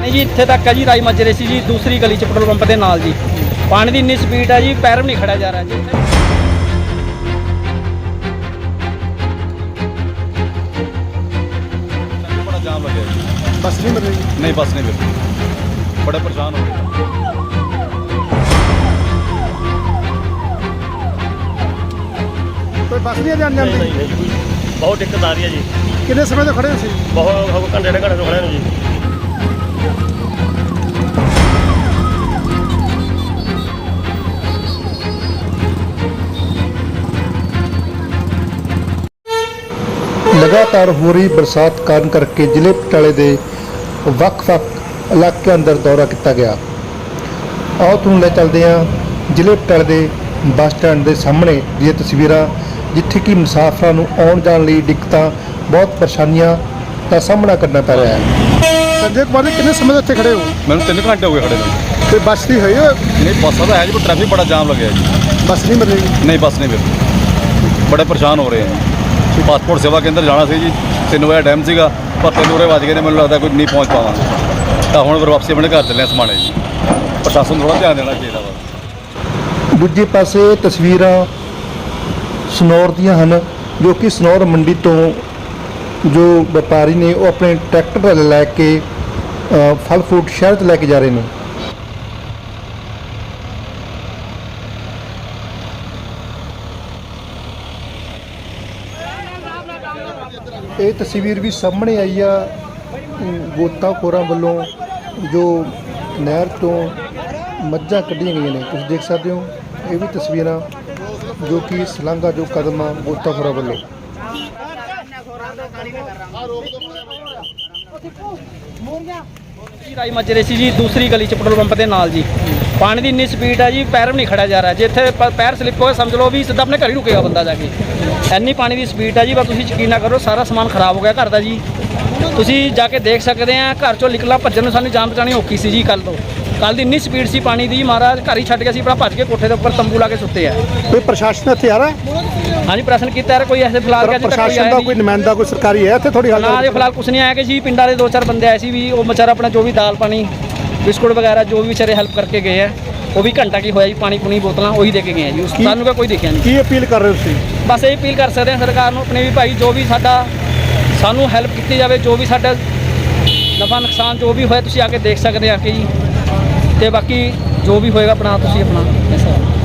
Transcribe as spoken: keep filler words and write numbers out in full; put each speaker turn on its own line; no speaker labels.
पानी जी इत्थे तक है जी, राई मच रही सी जी दूसरी गली च पेट्रोल पंप के नाल जी। पानी की इन्नी स्पीड है जी, पैर भी नहीं खड़ा जा रहा जी।
बड़ा जाम लगे,
बस नहीं मिल रही।
नहीं बस नहीं मिल रही, बड़े परेशान हो गए।
कोई बस नहीं जान
नहीं
जाती।
नहीं जी, बहुत दिक्कत आ रही है जी।
कितने समय तो खड़े हो सी?
बहुत घंटे डेढ़ घंटे तो खड़े हैं जी।
ਲਗਾਤਾਰ ਹੋ ਰਹੀ ਬਰਸਾਤ ਕਾਰਨ ਕਰਕੇ ਜ਼ਿਲ੍ਹੇ ਪਟਿਆਲੇ ਦੇ ਵੱਖ-ਵੱਖ ਇਲਾਕਿਆਂ ਅੰਦਰ ਦੌਰਾ ਕੀਤਾ ਗਿਆ। ਆਓ ਤੁਹਾਨੂੰ ਲੈ ਚੱਲਦੇ ਹਾਂ ਜ਼ਿਲ੍ਹੇ ਪਟਿਆਲੇ ਦੇ ਬੱਸ ਸਟੈਂਡ ਦੇ ਸਾਹਮਣੇ ਦੀਆਂ ਤਸਵੀਰਾਂ, ਜਿੱਥੇ ਕਿ ਮੁਸਾਫਰਾਂ ਨੂੰ ਆਉਣ ਜਾਣ ਲਈ ਦਿੱਕਤਾਂ, ਬਹੁਤ ਪਰੇਸ਼ਾਨੀਆਂ ਦਾ ਸਾਹਮਣਾ ਕਰਨਾ ਪੈ ਰਿਹਾ ਹੈ। ਸੰਜੇ ਕੁਮਾਰ ਜੀ, ਕਿੰਨੇ ਸਮੇਂ ਤੋਂ ਇੱਥੇ ਖੜੇ ਹੋ?
मैंने तीन घंटे हो गए खड़े हुए।
ਕੋਈ ਬੱਸ ਨਹੀਂ ਹੋਈ?
नहीं बस तो है जी, पर ट्रैफिक बड़ा जाम लगे है जी।
ਬੱਸ ਨਹੀਂ ਮਿਲ ਰਹੀ।
नहीं बस नहीं मिल रही, बड़े परेशान हो रहे हैं। पासपोर्ट सेवा केंद्र जाना सी जी, तीन बजे टाइम सीगा, पर तीन बजे बज गए ने, मैंने लगता कोई नहीं पहुँच पावांगे। तो हुण फिर वापसी अपने घर चले समाने जी। प्रशासन थोड़ा ध्यान देना चाहिए वा।
ਦੂਜੇ ਪਾਸੇ ਤਸਵੀਰਾਂ ਸਨੌਰ ਦੀਆਂ ਹਨ, ਜੋ ਕਿ ਸਨੌਰ ਮੰਡੀ ਤੋਂ ਜੋ ਵਪਾਰੀ ਨੇ ਉਹ ਆਪਣੇ ਟਰੈਕਟਰ ਲੈ ਕੇ ਅ, ਫਲ ਫਰੂਟ ਸ਼ਹਿਰ 'ਚ ਲੈ ਕੇ ਜਾ ਰਹੇ ਨੇ। ਇਹ ਤਸਵੀਰ ਵੀ ਸਾਹਮਣੇ ਆਈ ਆ ਅਮ, ਗੋਤਾਖੋਰਾਂ ਵੱਲੋਂ ਜੋ ਨਹਿਰ ਤੋਂ ਮੱਝਾਂ ਕੱਢੀਆਂ ਗਈਆਂ ਨੇ। ਤੁਸੀਂ ਦੇਖ ਸਕਦੇ ਹੋ ਇਹ ਵੀ ਤਸਵੀਰਾਂ, ਜੋ ਕਿ ਸਲਾਂਘਾ ਜੋ ਕਦਮ ਆ ਗੋਤਾਖੋਰਾਂ ਵੱਲੋਂ।
जी राई मच रही सी जी दूसरी गली च पेट्रोल पंप के नाल जी। पानी की इन्नी स्पीड है जी, पैर भी नहीं खड़ा जा रहा। जे इत्थे प- पैर स्लिप होए समझ लो भी सीधा अपने घर ही रुकेगा बंदा जाके। इन्नी पानी की स्पीड है जी, बस तुसीं यकीन ना करो, सारा समान खराब हो गया घर का जी। तुसीं जाके देख सकते हैं, घर चों निकलना भज्जण नूं सानूं जान बचानी औखी सी जी। कल तो कल की इन्नी स्पीड सी पानी की, महाराज घर ही छड्ड के असीं अपना भज के कोठे के उपर तंबू ला के सुते हैं।
ਕੋਈ ਪ੍ਰਸ਼ਾਸਨ ਇੱਥੇ ਆ ਰਿਹਾ?
हाँ जी प्रश्न किया है, कोई ऐसे फिलहाल अजे तक कोई
ਪ੍ਰਸ਼ਾਸਨ
आया
ਦਾ
नहीं।
ਕੋਈ ਨੁਮਾਇੰਦਾ ਕੋਈ ਸਰਕਾਰੀ ਹੈ ਇੱਥੇ? ਥੋੜੀ
ना जी फिलहाल कुछ नहीं आया कि जी पिंडा के दो चार बंदे आए सी भी, वो बेचारा अपना जो भी दाल पानी बिस्कुट वगैरह जो भी बेचारे हेल्प करके गए हैं, वो भी घंटा की होया जी, पानी पुनी बोतल वही दे के गए हैं जी। उस सानू का कोई देखा नहीं।
ਕੀ ਅਪੀਲ ਕਰ ਰਹੇ ਹੋ ਤੁਸੀਂ?
बस यही अपील कर सकते हैं सरकार ਨੂੰ अपने भी भाई, जो भी साडा सानू हेल्प की जाए, जो भी साडा नफा नुकसान जो भी होया तुसीं आके देख सकते हैं आके जी। ते बाकी जो भी होएगा अपना तुसीं अपना